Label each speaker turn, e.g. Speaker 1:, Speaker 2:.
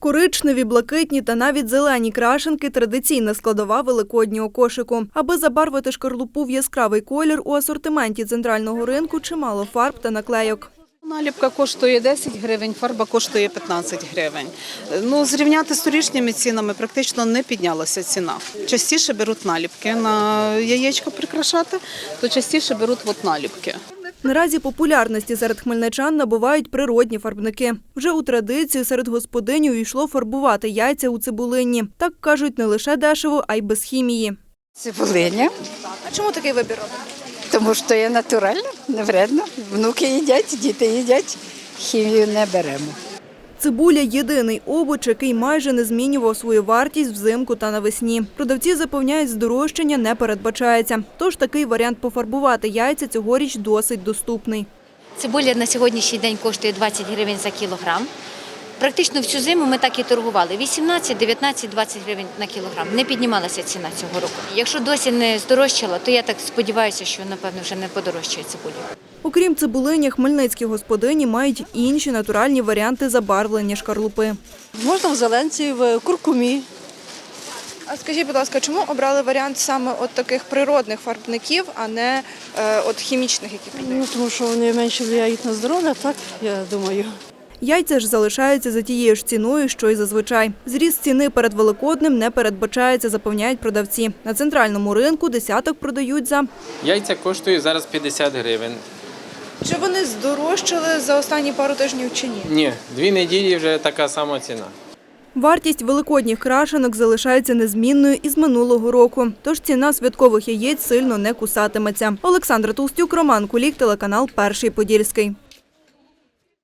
Speaker 1: Коричневі, блакитні та навіть зелені крашенки – традиційна складова великоднього кошику. Аби забарвити шкарлупу в яскравий колір, у асортименті центрального ринку чимало фарб та наклейок.
Speaker 2: Наліпка коштує 10 гривень, фарба коштує 15 гривень. Зрівняти з торішніми цінами практично не піднялася ціна. Частіше беруть наліпки на яєчко прикрашати, то частіше беруть наліпки.
Speaker 1: Наразі популярності серед хмельничан набувають природні фарбники. Вже у традицію серед господинь увійшло фарбувати яйця у цибулині. Так кажуть, не лише дешево, а й без хімії.
Speaker 3: Цибулиня.
Speaker 1: А чому такий вибір робите?
Speaker 3: Тому що є натурально, не вредно. Внуки їдять, діти їдять, хімію не беремо.
Speaker 1: Цибуля – єдиний овоч, який майже не змінював свою вартість взимку та навесні. Продавці запевняють, здорожчання не передбачається. Тож такий варіант пофарбувати яйця цьогоріч досить доступний.
Speaker 4: Цибуля на сьогоднішній день коштує 20 гривень за кілограм. Практично всю зиму ми так і торгували – 18, 19, 20 гривень на кілограм. Не піднімалася ціна цього року. Якщо досі не здорожчала, то я так сподіваюся, що, напевно, вже не подорожчає цибуля.
Speaker 1: Окрім цибулині, хмельницькі господині мають інші натуральні варіанти забарвлення шкарлупи.
Speaker 5: Можна в зеленці, в куркумі.
Speaker 6: А скажіть, будь ласка, чому обрали варіант саме от таких природних фарбників, а не от хімічних, які продають?
Speaker 5: Тому що вони менше впливають на здоров'я, так, я думаю.
Speaker 1: Яйця ж залишаються за тією ж ціною, що й зазвичай. Зріст ціни перед Великоднем не передбачається, запевняють продавці. На центральному ринку десяток продають за…
Speaker 7: Яйця коштують зараз 50 гривень.
Speaker 6: Чи вони здорожчали за останні пару тижнів чи ні?
Speaker 7: Ні, 2 неділі вже така сама ціна.
Speaker 1: Вартість великодніх крашенок залишається незмінною із минулого року. Тож ціна святкових яєць сильно не кусатиметься. Олександра Толстюк, Роман Кулік, телеканал «Перший Подільський».